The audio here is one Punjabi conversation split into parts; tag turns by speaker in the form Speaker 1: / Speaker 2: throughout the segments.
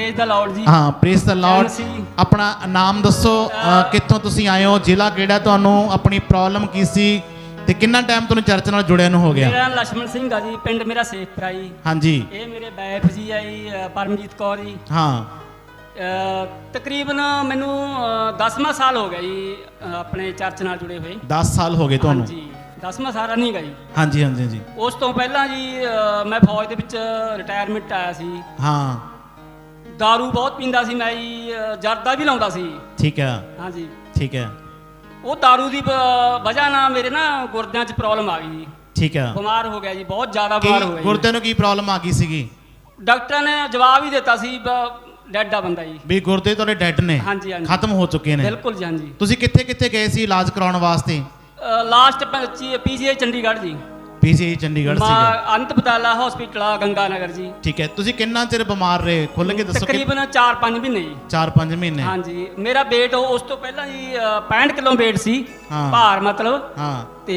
Speaker 1: प्रेज द लॉर्ड जी।
Speaker 2: हाँ प्रेज द लॉर्ड। अपना नाम दसो, कित्थों तुसीं आए हो, जिला किहड़ा, तुहानूं अपनी प्रॉब्लम की सी ते कितना टाइम तुहानूं चर्च नाल जुड़िया नूं हो गया?
Speaker 1: मेरा लक्ष्मण सिंह आ जी, पिंड मेरा सेखपुरा जी।
Speaker 2: हाँ जी।
Speaker 1: ये मेरे वाइफ जी है जी परमजीत कौर जी।
Speaker 2: हाँ
Speaker 1: तकरीबन मैनू 10वां साल हो गया जी अपने चर्च नाल जुड़े हुए।
Speaker 2: 10 साल हो गए
Speaker 1: हाँ
Speaker 2: तुहानूं?
Speaker 1: जी 10वां साल रनिंग है जी।
Speaker 2: हाँ जी हाँ जी जी।
Speaker 1: उस तो पहला जी मैं फौज ਦੇ ਵਿੱਚ ਰਿਟਾਇਰਮੈਂਟ ਆਇਆ ਸੀ।
Speaker 2: हाँ
Speaker 1: दारू बहुत ਪੀਂਦਾ ਸੀ ਮੈਂ ਜੀ, ਜਰਦਾ ਵੀ ਲਾਉਂਦਾ ਸੀ।
Speaker 2: ठीक है।
Speaker 1: हाँ जी
Speaker 2: ठीक है।
Speaker 1: ਉਹ दारू ਦੀ ਵਜ੍ਹਾ ਨਾਲ ਮੇਰੇ ਨਾ ਗੁਰਦਿਆਂ 'ਚ ਪ੍ਰੋਬਲਮ ਆ ਗਈ।
Speaker 2: ठीक है।
Speaker 1: ਬਿਮਾਰ ਹੋ ਗਿਆ ਜੀ, ਬਹੁਤ ਜ਼ਿਆਦਾ ਬਿਮਾਰ ਹੋ ਗਿਆ ਜੀ।
Speaker 2: ਗੁਰਦੇ ਨੂੰ ਕੀ ਪ੍ਰੋਬਲਮ ਆ ਗਈ ਸੀਗੀ?
Speaker 1: ਡਾਕਟਰਾਂ ਨੇ ਜਵਾਬ ਹੀ ਦਿੱਤਾ ਸੀ ਡੈਡ ਆ ਬੰਦਾ ਜੀ।
Speaker 2: ਵੀ ਗੁਰਦੇ ਤੁਹਾਡੇ ਡੈਡ ਨੇ,
Speaker 1: ਹਾਂਜੀ ਹਾਂਜੀ
Speaker 2: ਖਤਮ ਹੋ ਚੁੱਕੇ ਨੇ।
Speaker 1: ਬਿਲਕੁਲ ਜੀ। ਹਾਂਜੀ
Speaker 2: ਤੁਸੀਂ ਕਿੱਥੇ ਕਿੱਥੇ ਗਏ ਸੀ ਇਲਾਜ ਕਰਾਉਣ ਵਾਸਤੇ?
Speaker 1: ਲਾਸਟ ਪੀਜੀਆਈ ਚੰਡੀਗੜ੍ਹ ਜੀ।
Speaker 2: ਪੀਜੀਆਈ ਚੰਡੀਗੜ੍ਹ ਸੀਗਾ।
Speaker 1: ਅੰਤ ਬਦਾਲਾ ਹਸਪੀਟਲ ਆ ਗੰਗਾ ਨਗਰ ਜੀ।
Speaker 2: ਠੀਕ ਹੈ। ਤੁਸੀਂ ਕਿੰਨਾ ਚਿਰ ਬਿਮਾਰ ਰਹੇ, ਖੁੱਲ ਕੇ ਦੱਸੋ?
Speaker 1: ਤਕਰੀਬਨ 4-5 ਮਹੀਨੇ ਜੀ।
Speaker 2: 4-5 ਮਹੀਨੇ।
Speaker 1: ਹਾਂਜੀ ਮੇਰਾ weight ਉਸ ਤੋਂ ਪਹਿਲਾਂ ਜੀ 65 ਕਿਲੋ weight ਸੀ,
Speaker 2: ਹਾਂ।
Speaker 1: ਭਾਰ ਮਤਲਬ।
Speaker 2: ਹਾਂ
Speaker 1: ਤੇ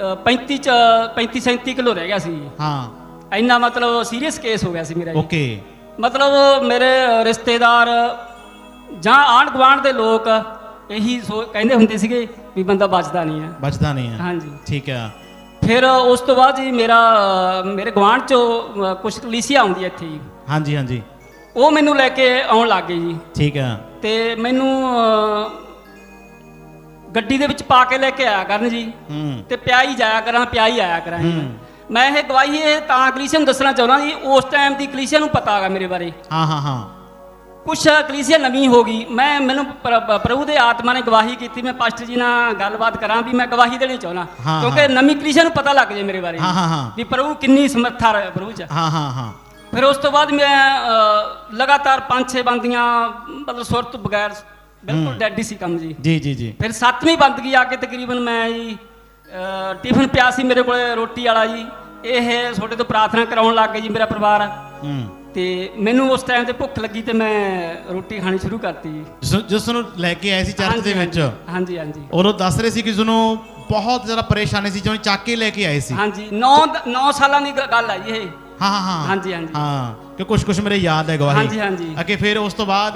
Speaker 1: 35-37 ਕਿਲੋ ਰਹਿ ਗਿਆ ਸੀ।
Speaker 2: ਹਾਂ
Speaker 1: ਇੰਨਾ ਮਤਲਬ ਸੀਰੀਅਸ ਕੇਸ ਹੋ ਗਿਆ ਸੀ ਮੇਰਾ ਜੀ।
Speaker 2: ਓਕੇ।
Speaker 1: ਮਤਲਬ ਮੇਰੇ ਰਿਸ਼ਤੇਦਾਰ ਜਾਂ ਆਂਢ ਗੁਆਂਢ ਦੇ ਲੋਕ ਇਹੀ ਕਹਿੰਦੇ ਹੁੰਦੇ ਸੀਗੇ ਵੀ ਬੰਦਾ ਬਚਦਾ ਨਹੀਂ ਹੈ,
Speaker 2: ਬਚਦਾ ਨਹੀਂ ਹੈ।
Speaker 1: ਹਾਂਜੀ
Speaker 2: ਠੀਕ ਹੈ।
Speaker 1: ਫਿਰ ਉਸ ਤੋਂ ਬਾਅਦ ਜੀ ਮੇਰੇ ਗੁਆਂਢ ਚੋਂ ਕੁਝ ਕਲੀਸੀਆ ਆਉਂਦੀ ਹੈ ਇੱਥੇ ਜੀ।
Speaker 2: ਹਾਂਜੀ ਹਾਂਜੀ।
Speaker 1: ਉਹ ਮੈਨੂੰ ਲੈ ਕੇ ਆਉਣ ਲੱਗ ਗਏ ਜੀ।
Speaker 2: ਠੀਕ ਹੈ।
Speaker 1: ਤੇ ਮੈਨੂੰ ਗੱਡੀ ਦੇ ਵਿੱਚ ਪਾ ਕੇ ਲੈ ਕੇ ਆਇਆ ਕਰਨ ਜੀ। ਤੇ ਪਿਆ ਹੀ ਜਾਇਆ ਕਰਾਂ, ਪਿਆ ਹੀ ਆਇਆ ਕਰਾਂ। ਮੈਂ ਇਹ ਗਵਾਹੀ ਇਹ ਤਾਂ ਕਲੀਸੀਆ ਨੂੰ ਦੱਸਣਾ ਚਾਹੁੰਦਾ ਜੀ, ਉਸ ਟਾਈਮ ਦੀ ਕਲੀਸੀਆ ਨੂੰ ਪਤਾ ਹੈਗਾ ਮੇਰੇ ਬਾਰੇ।
Speaker 2: ਹਾਂ ਹਾਂ ਹਾਂ।
Speaker 1: ਕੁਛ ਕਲੀਸੀਆ ਨਵੀਂ ਹੋ ਗਈ। ਮੈਨੂੰ ਪ੍ਰਭੂ ਦੇ ਆਤਮਾ ਨੇ ਗਵਾਹੀ ਕੀਤੀ, ਮੈਂ ਪਾਸਟਰ ਜੀ ਨਾਲ ਗੱਲਬਾਤ ਕਰਾਂ ਵੀ ਮੈਂ ਗਵਾਹੀ ਦੇਣੀ ਚਾਹੁੰਦਾ, ਕਿਉਂਕਿ ਨਵੀਂ ਕਲੀਸੀਆ ਨੂੰ ਪਤਾ ਲੱਗ ਜੇ ਮੇਰੇ ਬਾਰੇ ਵੀ ਪ੍ਰਭੂ ਕਿੰਨੀ ਸਮਰੱਥਾ ਹੈ ਪ੍ਰਭੂ ਚ।
Speaker 2: ਹਾਂ ਹਾਂ ਹਾਂ।
Speaker 1: ਫਿਰ ਉਸ ਤੋਂ ਬਾਅਦ ਮੈਂ ਲਗਾਤਾਰ 5-6 ਬੰਦੀਆਂ ਮਤਲਬ ਸੁਰਤ ਬਗੈਰ ਬਿਲਕੁਲ ਡੈਡ ਹੀ ਸੀ ਕੰਮ ਜੀ।
Speaker 2: ਜੀ ਜੀ ਜੀ।
Speaker 1: ਫਿਰ 7ਵੀਂ ਬੰਦਗੀ ਆ ਕੇ ਤਕਰੀਬਨ ਮੈਂ ਜੀ ਟਿਫਨ ਪਿਆ ਸੀ ਮੇਰੇ ਕੋਲੇ ਰੋਟੀ ਵਾਲਾ ਜੀ, ਇਹ ਤੁਹਾਡੇ ਤੋਂ ਪ੍ਰਾਰਥਨਾ ਕਰਾਉਣ ਲੱਗ ਗਏ ਜੀ ਮੇਰਾ ਪਰਿਵਾਰ। ਤੇ ਮੈਨੂੰ ਉਸ ਟਾਈਮ ਤੇ ਭੁੱਖ ਲੱਗੀ ਤੇ ਮੈਂ ਰੋਟੀ ਖਾਣੀ ਸ਼ੁਰੂ ਕਰਤੀ ਜੀ।
Speaker 2: ਜਿਸ ਨੂੰ ਲੈ ਕੇ ਆਏ ਸੀ ਚਰਚ ਦੇ ਵਿੱਚ?
Speaker 1: ਹਾਂਜੀ ਹਾਂਜੀ।
Speaker 2: ਉਹ ਦੱਸ ਰਹੇ ਸੀ ਕਿ ਜਿਹਨੂੰ ਬਹੁਤ ਜ਼ਿਆਦਾ ਪਰੇਸ਼ਾਨੀ ਸੀ, ਜਿਹਨੂੰ ਚੱਕ ਕੇ ਲੈ ਕੇ ਆਏ ਸੀ।
Speaker 1: ਹਾਂਜੀ 9 ਸਾਲਾਂ ਦੀ ਗੱਲ ਹੈ ਜੀ ਇਹ।
Speaker 2: ਹਾਂ ਹਾਂ ਹਾਂ।
Speaker 1: ਹਾਂਜੀ ਹਾਂਜੀ
Speaker 2: ਹਾਂ ਕਿ ਕੁਛ ਮੇਰੇ ਯਾਦ ਹੈ ਗਵਾਹੀ।
Speaker 1: ਹਾਂਜੀ ਹਾਂਜੀ।
Speaker 2: ਅੱਗੇ ਫਿਰ ਉਸ ਤੋਂ ਬਾਅਦ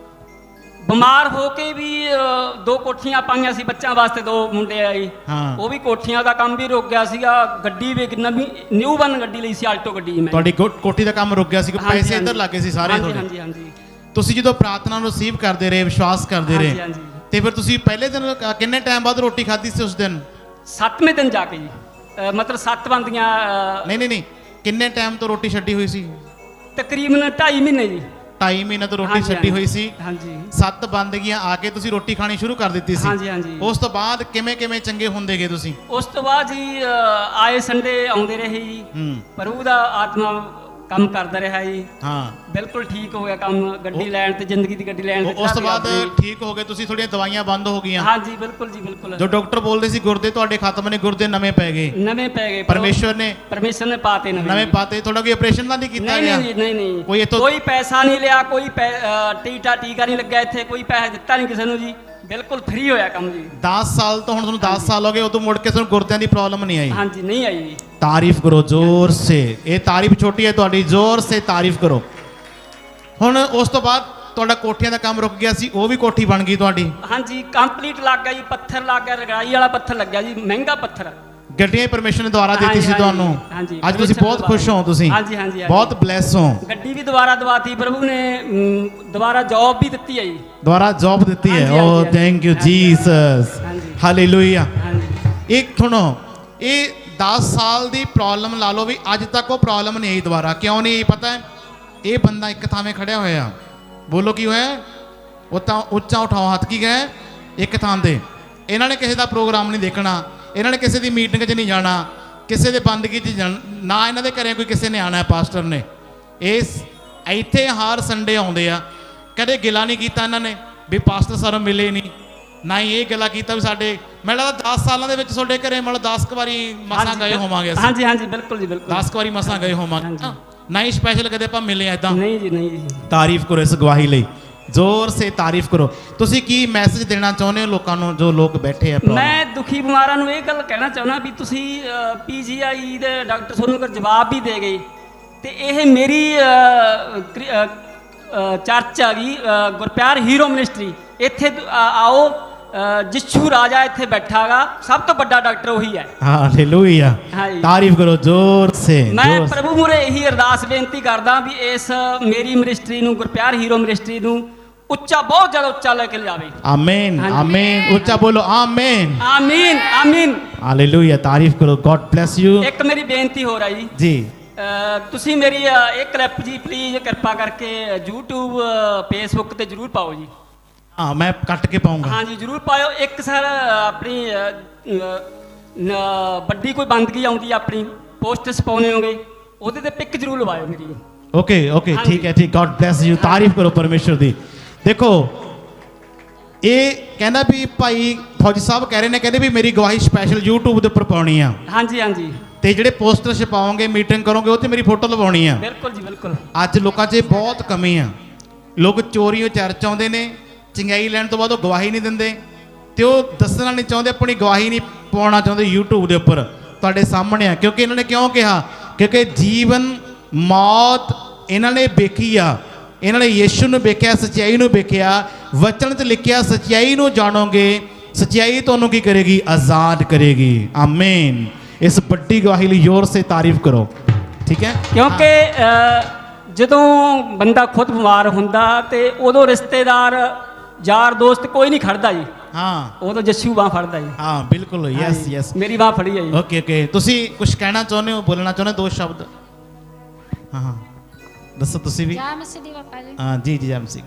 Speaker 1: ਬਿਮਾਰ ਹੋ ਕੇ ਵੀ 2 ਕੋਠੀਆਂ ਪਾਈਆਂ ਸੀ ਬੱਚਿਆਂ ਵਾਸਤੇ, 2 ਮੁੰਡੇ ਆਏ। ਉਹ ਵੀ ਕੋਠੀਆਂ ਦਾ ਕੰਮ ਵੀ ਰੁਕ ਗਿਆ ਸੀਗਾ। ਗੱਡੀ ਵੀ ਨਵੀਂ ਨਿਊ ਬਨ ਗੱਡੀ ਲਈ ਸੀ, ਆਲਟੋ ਗੱਡੀ। ਮੈਂ
Speaker 2: ਤੁਹਾਡੀ ਕੋਠੀ ਦਾ ਕੰਮ ਰੁਕ ਗਿਆ ਸੀ, ਪੈਸੇ ਇੱਧਰ ਲੱਗੇ ਸੀ ਸਾਰੇ ਤੁਹਾਡੇ।
Speaker 1: ਹਾਂਜੀ ਹਾਂਜੀ।
Speaker 2: ਤੁਸੀਂ ਜਦੋਂ ਪ੍ਰਾਰਥਨਾ ਨੂੰ ਰਿਸੀਵ ਕਰਦੇ ਰਹੇ, ਵਿਸ਼ਵਾਸ ਕਰਦੇ ਰਹੇ, ਤੇ ਫਿਰ ਤੁਸੀਂ ਪਹਿਲੇ ਦਿਨ ਕਿੰਨੇ ਟਾਈਮ ਬਾਅਦ ਰੋਟੀ ਖਾਧੀ ਸੀ ਉਸ ਦਿਨ?
Speaker 1: 7ਵੇਂ ਦਿਨ ਜਾ ਕੇ ਜੀ, ਮਤਲਬ 7 ਬੰਦੀਆਂ।
Speaker 2: ਨਹੀਂ ਕਿੰਨੇ ਟਾਈਮ ਤੋਂ ਰੋਟੀ ਛੱਡੀ ਹੋਈ ਸੀ?
Speaker 1: ਤਕਰੀਬਨ 2.5 ਮਹੀਨੇ ਜੀ।
Speaker 2: 2.5 ਮਹੀਨੇ ਤੋਂ ਰੋਟੀ ਛੱਡੀ ਹੋਈ ਸੀ।
Speaker 1: ਹਾਂਜੀ
Speaker 2: 7 ਬੰਦਗੀਆਂ ਆ ਕੇ ਤੁਸੀਂ ਰੋਟੀ ਖਾਣੀ ਸ਼ੁਰੂ ਕਰ ਦਿੱਤੀ ਸੀ।
Speaker 1: ਹਾਂਜੀ ਹਾਂਜੀ।
Speaker 2: ਉਸ ਤੋਂ ਬਾਅਦ ਕਿਵੇਂ ਚੰਗੇ ਹੁੰਦੇ ਗਏ ਤੁਸੀਂ?
Speaker 1: ਉਸ ਤੋਂ ਬਾਅਦ ਜੀ ਆਏ ਸੰਡੇ ਆਉਂਦੇ ਰਹੇ ਜੀ। ਪ੍ਰਭੂ ਦਾ ਆਤਮਾ ਕੰਮ ਕਰਦਾ ਰਿਹਾ ਜੀ।
Speaker 2: ਹਾਂ
Speaker 1: ਬਿਲਕੁਲ ਠੀਕ ਹੋ ਗਿਆ ਕੰਮ, ਗੱਡੀ ਲੈਣ ਤੇ, ਜ਼ਿੰਦਗੀ ਦੀ ਗੱਡੀ ਲੈਣ ਤੇ।
Speaker 2: ਉਸ ਤੋਂ ਬਾਅਦ ਠੀਕ ਹੋ ਗਏ ਤੁਸੀਂ, ਤੁਹਾਡੀਆਂ ਦਵਾਈਆਂ ਬੰਦ ਹੋ ਗਈਆਂ?
Speaker 1: ਹਾਂਜੀ ਬਿਲਕੁਲ ਜੀ ਬਿਲਕੁਲ।
Speaker 2: ਜੋ ਡਾਕਟਰ ਬੋਲਦੇ ਸੀ ਗੁਰਦੇ ਤੁਹਾਡੇ ਖਤਮ ਨੇ, ਗੁਰਦੇ ਨਵੇਂ ਪੈ ਗਏ?
Speaker 1: ਨਵੇਂ ਪੈ ਗਏ।
Speaker 2: ਪਰਮੇਸ਼ਵਰ ਨੇ
Speaker 1: ਪਾਤੇ
Speaker 2: ਨਵੇਂ ਪਾਤੇ। ਤੁਹਾਡਾ ਕੋਈ ਆਪਰੇਸ਼ਨ ਤਾਂ ਨਹੀਂ ਕੀਤਾ ਗਿਆ?
Speaker 1: ਨਹੀਂ
Speaker 2: ਕੋਈ
Speaker 1: ਪੈਸਾ ਨਹੀਂ ਲਿਆ, ਕੋਈ ਟੀਕਾ ਨਹੀਂ ਲੱਗਿਆ ਇੱਥੇ, ਕੋਈ ਪੈਸਾ ਦਿੱਤਾ ਨਹੀਂ ਕਿਸੇ ਨੂੰ ਜੀ, ਬਿਲਕੁਲ ਫ੍ਰੀ ਹੋਇਆ ਕੰਮ ਜੀ।
Speaker 2: 10 ਸਾਲ ਤੋਂ ਹੁਣ ਤੁਹਾਨੂੰ 10 ਸਾਲ ਹੋ ਗਏ, ਉਦੋਂ ਮੁੜ ਕੇ ਤੁਹਾਨੂੰ ਗੁਰਦਿਆਂ ਦੀ ਪ੍ਰੋਬਲਮ ਨਹੀਂ ਆਈ?
Speaker 1: ਹਾਂਜੀ ਨਹੀਂ ਆਈ ਜੀ।
Speaker 2: ਤਾਰੀਫ ਕਰੋ ਜ਼ੋਰ ਸੇ। ਇਹ ਤਾਰੀਫ ਛੋਟੀ ਹੈ ਤੁਹਾਡੀ, ਜ਼ੋਰ ਸੇ ਤਾਰੀਫ ਕਰੋ। ਹੁਣ ਉਸ ਤੋਂ ਬਾਅਦ ਤੁਹਾਡਾ ਕੋਠੀਆਂ ਦਾ ਕੰਮ ਰੁਕ ਗਿਆ ਸੀ, ਉਹ ਵੀ ਕੋਠੀ ਬਣ ਗਈ ਤੁਹਾਡੀ?
Speaker 1: ਹਾਂਜੀ ਕੰਪਲੀਟ ਲੱਗ ਗਿਆ ਜੀ, ਪੱਥਰ ਲੱਗ ਗਿਆ, ਰਗੜਾਈ ਵਾਲਾ ਪੱਥਰ ਲੱਗਿਆ ਜੀ, ਮਹਿੰਗਾ ਪੱਥਰ।
Speaker 2: ਗੱਡੀਆਂ ਪਰਮੇਸ਼ਰ ਨੇ ਦੁਆਰਾ ਦਿੱਤੀ ਸੀ ਤੁਹਾਨੂੰ? ਅੱਜ ਤੁਸੀਂ ਬਹੁਤ ਖੁਸ਼ ਹੋ, ਤੁਸੀਂ ਬਹੁਤ ਬਲੈਸ ਹੋ।
Speaker 1: ਗੱਡੀ ਵੀ ਦੁਬਾਰਾ ਦਵਾਤੀ ਪ੍ਰਭੂ ਨੇ, ਦੁਬਾਰਾ ਜੌਬ ਵੀ ਦਿੱਤੀ ਹੈ ਜੀ।
Speaker 2: ਦੁਬਾਰਾ ਜੌਬ ਦਿੱਤੀ ਹੈ? ਓ ਥੈਂਕ ਯੂ ਜੀਸਸ, ਹਾਲੇਲੂਇਆ। ਇੱਕ ਸੁਣੋ, ਇਹ 10 ਸਾਲ ਦੀ ਪ੍ਰੋਬਲਮ ਲਾ ਲਓ ਵੀ ਅੱਜ ਤੱਕ ਉਹ ਪ੍ਰੋਬਲਮ ਨਹੀਂ ਆਈ ਦੁਬਾਰਾ। ਕਿਉਂ ਨਹੀਂ ਆਈ ਪਤਾ ਹੈ? ਇਹ ਬੰਦਾ ਇੱਕ ਥਾਵੇਂ ਖੜਿਆ ਹੋਇਆ, ਬੋਲੋ ਕੀ ਹੋਇਆ? ਉਹ ਤਾਂ ਉੱਚਾ ਉਠਾਓ ਹੱਥ, ਕੀ ਗਏ ਇੱਕ ਥਾਂ ਤੇ। ਇਹਨਾਂ ਨੇ ਕਿਸੇ ਦਾ ਪ੍ਰੋਗਰਾਮ ਨਹੀਂ ਦੇਖਣਾ, ਇਹਨਾਂ ਨੇ ਕਿਸੇ ਦੀ ਮੀਟਿੰਗ 'ਚ ਨਹੀਂ ਜਾਣਾ, ਕਿਸੇ ਦੇ ਬੰਦਗੀ 'ਚ ਨਾ ਇਹਨਾਂ ਦੇ ਘਰੇ ਕੋਈ ਕਿਸੇ ਨੇ ਆਉਣਾ ਹੈ। ਪਾਸਟਰ ਨੇ ਇਸ ਇੱਥੇ ਹਰ ਸੰਡੇ ਆਉਂਦੇ ਆ, ਕਦੇ ਗਿਲਾ ਨਹੀਂ ਕੀਤਾ ਇਹਨਾਂ ਨੇ ਵੀ ਪਾਸਟਰ ਸਾਨੂੰ ਮਿਲੇ ਨਹੀਂ, ਨਾ ਹੀ ਇਹ ਗੱਲਾਂ ਕੀਤਾ ਵੀ ਸਾਡੇ, ਮੈਨੂੰ ਲੱਗਦਾ 10 ਸਾਲਾਂ ਦੇ ਵਿੱਚ ਤੁਹਾਡੇ ਘਰੇ ਮਤਲਬ 10 ਵਾਰੀ ਮਸਾਂ ਗਏ ਹੋਵਾਂਗੇ ਅਸੀਂ।
Speaker 1: ਹਾਂਜੀ ਹਾਂਜੀ ਬਿਲਕੁਲ ਜੀ ਬਿਲਕੁਲ।
Speaker 2: 10 ਵਾਰੀ ਮਸਾਂ ਗਏ ਹੋਵਾਂਗੇ, ਨਾ ਹੀ ਸਪੈਸ਼ਲ ਕਦੇ ਆਪਾਂ ਮਿਲੇ ਐਦਾਂ।
Speaker 1: ਨਹੀਂ ਜੀ ਨਹੀਂ ਜੀ।
Speaker 2: ਤਾਰੀਫ ਕਰੋ ਇਸ ਗਵਾਹੀ ਲਈ, ਜ਼ੋਰ ਸੇ ਤਾਰੀਫ ਕਰੋ। ਤੁਸੀਂ ਕੀ ਮੈਸੇਜ ਦੇਣਾ ਚਾਹੁੰਦੇ ਹੋ ਲੋਕਾਂ ਨੂੰ ਜੋ ਲੋਕ ਬੈਠੇ ਆ?
Speaker 1: ਮੈਂ ਦੁਖੀ ਬਿਮਾਰਾਂ ਨੂੰ ਇਹ ਗੱਲ ਕਹਿਣਾ ਚਾਹੁੰਦਾ ਵੀ ਤੁਸੀਂ ਪੀਜੀਆਈ ਦੇ ਡਾਕਟਰ ਤੁਹਾਨੂੰ ਅਗਰ ਜਵਾਬ ਵੀ ਦੇ ਗਏ ਤੇ ਇਹ ਮੇਰੀ ਚਰਚ ਆ ਗਈ ਗੁਰਪਿਆਰ ਹੀਰੋ ਮਿਨਿਸਟਰੀ। ਇੱਥੇ ਆਓ, ਜਿਸ਼ੂ ਰਾਜਾ ਇੱਥੇ ਬੈਠਾਗਾ, ਸਭ ਤੋਂ ਵੱਡਾ ਡਾਕਟਰ ਉਹੀ ਹੈ।
Speaker 2: ਹਾਲੇਲੂਇਆ,
Speaker 1: ਹਾਂਜੀ।
Speaker 2: ਤਾਰੀਫ ਕਰੋ ਜ਼ੋਰ ਸੇ।
Speaker 1: ਮੈਂ ਪ੍ਰਭੂ ਮੂਹਰੇ ਇਹੀ ਅਰਦਾਸ ਬੇਨਤੀ ਕਰਦਾ ਵੀ ਇਸ ਮੇਰੀ ਮਿਨਿਸਟਰੀ ਨੂੰ, ਗੁਰਪਿਆਰ ਹੀਰੋ ਮਿਨਿਸਟਰੀ ਨੂੰ ਉੱਚਾ, ਬਹੁਤ ਜ਼ਿਆਦਾ ਉੱਚਾ ਲੈ ਕੇ ਲਿਆਵੇ।
Speaker 2: ਆਮੀਨ, ਆਮੀਨ, ਉੱਚਾ ਬੋਲੋ ਆਮੀਨ,
Speaker 1: ਆਮੀਨ, ਆਮੀਨ।
Speaker 2: ਹਾਲੇਲੂਇਆ, ਤਾਰੀਫ ਕਰੋ। God bless you.
Speaker 1: ਇੱਕ ਮੇਰੀ ਬੇਨਤੀ ਹੋ ਰਹੀ
Speaker 2: ਜੀ,
Speaker 1: ਤੁਸੀਂ ਮੇਰੀ ਇਹ ਕਲਿੱਪ ਜੀ ਪਲੀਜ਼ ਕਿਰਪਾ ਕਰਕੇ YouTube Facebook ਤੇ ਜ਼ਰੂਰ ਪਾਓ ਜੀ।
Speaker 2: ਹਾਂ, ਮੈਂ ਕੱਟ ਕੇ ਪਾਉਂਗਾ।
Speaker 1: ਹਾਂਜੀ, ਜ਼ਰੂਰ ਪਾਇਓ। ਇੱਕ ਸਰ ਆਪਣੀ ਵੱਡੀ ਕੋਈ ਬੰਦਗੀ ਆਉਂਦੀ ਆਪਣੀ, ਪੋਸਟਰਸ ਪਾਉਣੇ ਹੋਗੇ, ਉਹਦੇ ਤੇ ਪਿਕ ਜ਼ਰੂਰ ਲਵਾਇਓ ਮੇਰੀ।
Speaker 2: ਓਕੇ ਓਕੇ, ਠੀਕ ਹੈ, ਠੀਕ। ਗॉड ਬlesਸ ਯੂ, ਤਾਰੀਫ ਕਰੋ ਪਰਮੇਸ਼ਰ ਦੀ। ਦੇਖੋ, ਇਹ ਕਹਿੰਦਾ ਵੀ ਭਾਈ ਫੌਜੀ ਸਾਹਿਬ ਕਹਿ ਰਹੇ ਨੇ, ਕਹਿੰਦੇ ਵੀ ਮੇਰੀ ਗਵਾਹੀ ਸਪੈਸ਼ਲ YouTube ਦੇ ਉੱਪਰ ਪਾਉਣੀ ਆ।
Speaker 1: ਹਾਂਜੀ ਹਾਂਜੀ,
Speaker 2: ਤੇ ਜਿਹੜੇ ਪੋਸਟਰ ਛਪਾਓਗੇ, ਮੀਟਿੰਗ ਕਰੋਗੇ, ਉਹ ਤੇ ਮੇਰੀ ਫੋਟੋ ਲਵਾਉਣੀ ਆ।
Speaker 1: ਬਿਲਕੁਲ ਜੀ, ਬਿਲਕੁਲ।
Speaker 2: ਅੱਜ ਲੋਕਾਂ 'ਚ ਬਹੁਤ ਕਮੀ ਆ। ਲੋਕ ਚੋਰੀਓ ਚਰਚ ਆਉਂਦੇ ਨੇ, ਚੰਗਿਆਈ ਲੈਣ ਤੋਂ ਬਾਅਦ ਉਹ ਗਵਾਹੀ ਨਹੀਂ ਦਿੰਦੇ, ਤੇ ਉਹ ਦੱਸਣਾ ਨਹੀਂ ਚਾਹੁੰਦੇ, ਆਪਣੀ ਗਵਾਹੀ ਨਹੀਂ ਪਾਉਣਾ ਚਾਹੁੰਦੇ YouTube ਦੇ ਉੱਪਰ। ਤੁਹਾਡੇ ਸਾਹਮਣੇ ਆ, ਕਿਉਂਕਿ ਇਹਨਾਂ ਨੇ ਕਿਉਂ ਕਿਹਾ? ਕਿਉਂਕਿ ਜੀਵਨ ਮੌਤ ਇਹਨਾਂ ਨੇ ਵੇਖੀ ਆ। ਇਹਨਾਂ ਨੇ ਯੀਸ਼ੂ ਨੂੰ ਵੇਖਿਆ, ਸੱਚਾਈ ਨੂੰ ਵੇਖਿਆ। ਵਚਨ 'ਚ ਲਿਖਿਆ, ਸੱਚਾਈ ਨੂੰ ਜਾਣੋਗੇ, ਸੱਚਾਈ ਤੁਹਾਨੂੰ ਕੀ ਕਰੇਗੀ? ਆਜ਼ਾਦ ਕਰੇਗੀ। ਆਮੀਨ। ਇਸ ਵੱਡੀ ਗਵਾਹੀ ਲਈ ਜ਼ੋਰ ਸੇ ਤਾਰੀਫ ਕਰੋ, ਠੀਕ ਹੈ?
Speaker 1: ਕਿਉਂਕਿ ਜਦੋਂ ਬੰਦਾ ਖੁਦ ਬਿਮਾਰ ਹੁੰਦਾ ਤੇ ਉਦੋਂ ਰਿਸ਼ਤੇਦਾਰ, ਯਾਰ ਦੋਸਤ ਕੋਈ ਨਹੀਂ ਖੜਦਾ ਜੀ।
Speaker 2: ਹਾਂ,
Speaker 1: ਉਦੋਂ ਜੱਸੂ ਬਾਂਹ ਫੜਦਾ ਜੀ।
Speaker 2: ਹਾਂ, ਬਿਲਕੁਲ। ਯੈਸ ਯੈਸ,
Speaker 1: ਮੇਰੀ ਬਾਂਹ ਫੜੀ ਹੈ ਜੀ।
Speaker 2: Okay okay. ਤੁਸੀਂ ਕੁਝ ਕਹਿਣਾ ਚਾਹੁੰਦੇ ਹੋ, ਬੋਲਣਾ ਚਾਹੁੰਦੇ ਹੋ? ਦੋ ਸ਼ਬਦ। ਹਾਂ ਹਾਂ, ਦੱਸੋ ਤੁਸੀਂ ਵੀ।
Speaker 3: ਜੈ ਮਸੀਹ ਦੀ ਬਾਪਾ ਜੀ।
Speaker 2: ਹਾਂ ਜੀ ਜੀ, ਜੈਮ ਸਿੰਘ।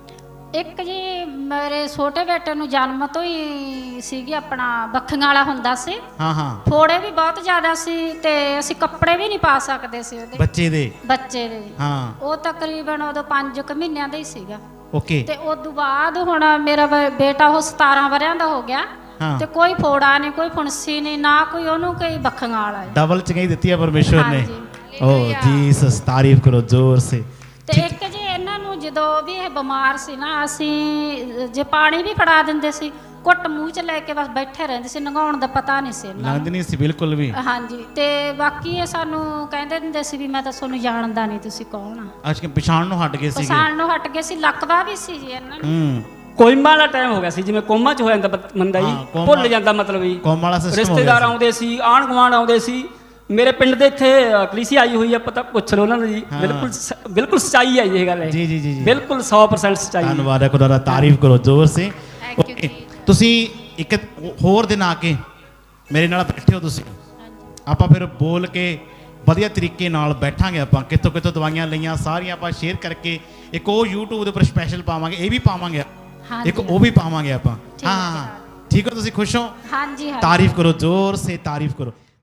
Speaker 3: ਇੱਕ ਜੀ ਮੇਰੇ ਛੋਟੇ ਬੇਟੇ ਨੂੰ ਜਨਮ ਤੋਂ ਹੀ ਸੀਗੀ, ਆਪਣਾ ਬੱਖੀਆਂ ਵਾਲਾ ਹੁੰਦਾ ਸੀ।
Speaker 2: ਹਾਂ ਹਾਂ,
Speaker 3: ਫੋੜੇ ਵੀ ਬਹੁਤ ਜ਼ਿਆਦਾ ਸੀ ਤੇ ਅਸੀਂ ਕੱਪੜੇ ਵੀ ਨਹੀਂ ਪਾ ਸਕਦੇ ਸੀ ਉਹਦੇ
Speaker 2: ਬੱਚੇ ਦੇ।
Speaker 3: ਬੱਚੇ ਦੇ।
Speaker 2: ਹਾਂ,
Speaker 3: ਉਹ ਤਕਰੀਬਨ ਉਦੋਂ 5 ਮਹੀਨਿਆਂ ਦਾ ਹੀ ਸੀਗਾ।
Speaker 2: ਓਕੇ।
Speaker 3: ਤੇ ਉਦੋਂ ਬਾਅਦ ਹੁਣ ਮੇਰਾ ਬੇਟਾ ਉਹ 17 ਵਰਿਆਂ ਦਾ ਹੋ ਗਿਆ
Speaker 2: ਹਾਂ,
Speaker 3: ਤੇ ਕੋਈ ਫੋੜਾ ਨਹੀਂ, ਕੋਈ ਫੁੰਸੀ ਨਹੀਂ, ਨਾ ਕੋਈ ਉਹਨੂੰ ਕੋਈ ਬੱਖੀਆਂ ਵਾਲਾ ਹੈ।
Speaker 2: ਡਬਲ ਚੰਗਾਈ ਦਿੱਤੀ ਹੈ ਪਰਮੇਸ਼ਵਰ ਨੇ।
Speaker 3: ਹਾਂਜੀ।
Speaker 2: ਓ ਜੀਸਸ, ਤਾਰੀਫ ਕਰੋ ਜ਼ੋਰ ਸੇ।
Speaker 3: ਤੇ ਇੱਕ ਜੀ ਇਹਨਾਂ ਨੂੰ ਜਦੋਂ ਵੀ ਇਹ ਬਿਮਾਰ ਸੀ ਨਾ, ਅਸੀਂ ਜੇ ਪਾਣੀ ਵੀ ਫੜਾ ਦਿੰਦੇ ਸੀ, ਘੁੱਟ ਮੂੰਹ 'ਚ ਲੈ ਕੇ ਬਸ ਬੈਠੇ ਰਹਿੰਦੇ ਸੀ, ਨੰਗਾਉਣ ਦਾ ਪਤਾ ਨਹੀਂ ਸੀ ਇਹਨਾਂ
Speaker 2: ਲੰਘਦੀ ਨਹੀਂ ਸੀ ਬਿਲਕੁਲ ਵੀ।
Speaker 3: ਹਾਂਜੀ। ਤੇ ਬਾਕੀ ਇਹ ਸਾਨੂੰ ਕਹਿੰਦੇ ਦਿੰਦੇ ਸੀ ਵੀ ਮੈਂ ਤਾਂ ਤੁਹਾਨੂੰ ਜਾਣਦਾ ਨਹੀਂ, ਤੁਸੀਂ ਕੌਣ ਆ।
Speaker 2: ਅੱਜ ਕਿ ਪਛਾਣ ਨੂੰ ਹਟ ਗਏ ਸੀਗੇ।
Speaker 3: ਪਛਾਣ ਨੂੰ ਹਟ ਗਏ ਸੀ, ਲੱਕਵਾ ਵੀ ਸੀ ਜੀ ਇਹਨਾਂ ਨੂੰ।
Speaker 1: ਕੋਮਾ ਵਾਲਾ ਟਾਈਮ ਹੋ ਗਿਆ ਸੀ, ਜਿਵੇਂ ਕੋਮਾ 'ਚ ਹੋ ਜਾਂਦਾ ਬੰਦਾ ਜੀ, ਭੁੱਲ ਜਾਂਦਾ ਮਤਲਬ ਜੀ।
Speaker 2: ਕੋਮ ਵਾਲਾ ਸਿਸਟਮ ਹੋ ਗਿਆ।
Speaker 1: ਰਿਸ਼ਤੇਦਾਰ ਆਉਂਦੇ ਸੀ, ਆਂਢ ਗੁਆਂਢ ਆਉਂਦੇ ਸੀ। ਮੇਰੇ ਪਿੰਡ ਦੇ ਇੱਥੇ ਕਲੀਸਿਆ ਆਈ ਹੋਈ ਆ, ਪਤਾ ਪੁੱਛ ਲਓ ਉਹਨਾਂ ਨੂੰ ਜੀ। ਬਿਲਕੁਲ ਬਿਲਕੁਲ ਸੱਚਾਈ ਹੈ ਇਹ ਗੱਲ ਹੈ
Speaker 2: ਜੀ ਜੀ ਜੀ,
Speaker 1: ਬਿਲਕੁਲ 100% ਸੱਚਾਈ ਹੈ।
Speaker 2: ਧੰਨਵਾਦ ਹੈ ਖੁਦਾ ਦਾ, ਤਾਰੀਫ ਕਰੋ ਜ਼ੋਰ ਸੇ। ਓਕੇ, ਤੁਸੀਂ ਇੱਕ ਹੋਰ ਦਿਨ ਆ ਕੇ ਮੇਰੇ ਨਾਲ ਬੈਠੇ ਹੋ ਤੁਸੀਂ, ਆਪਾਂ ਫਿਰ ਬੋਲ ਕੇ ਵਧੀਆ ਤਰੀਕੇ ਨਾਲ ਬੈਠਾਂਗੇ। ਆਪਾਂ ਕਿੱਥੋਂ ਕਿੱਥੋਂ ਦਵਾਈਆਂ ਲਈਆਂ ਸਾਰੀਆਂ ਆਪਾਂ ਸ਼ੇਅਰ ਕਰਕੇ ਇੱਕ ਉਹ YouTube ਦੇ ਉੱਪਰ ਸਪੈਸ਼ਲ ਪਾਵਾਂਗੇ, ਇਹ ਵੀ ਪਾਵਾਂਗੇ, ਇੱਕ ਉਹ ਵੀ ਪਾਵਾਂਗੇ ਆਪਾਂ। ਹਾਂ, ਠੀਕ ਹੋ? ਤੁਸੀਂ ਖੁਸ਼ ਹੋ?
Speaker 3: ਹਾਂਜੀ।
Speaker 2: ਤਾਰੀਫ ਕਰੋ ਜ਼ੋਰ ਸੇ, ਤਾਰੀਫ ਕਰੋ।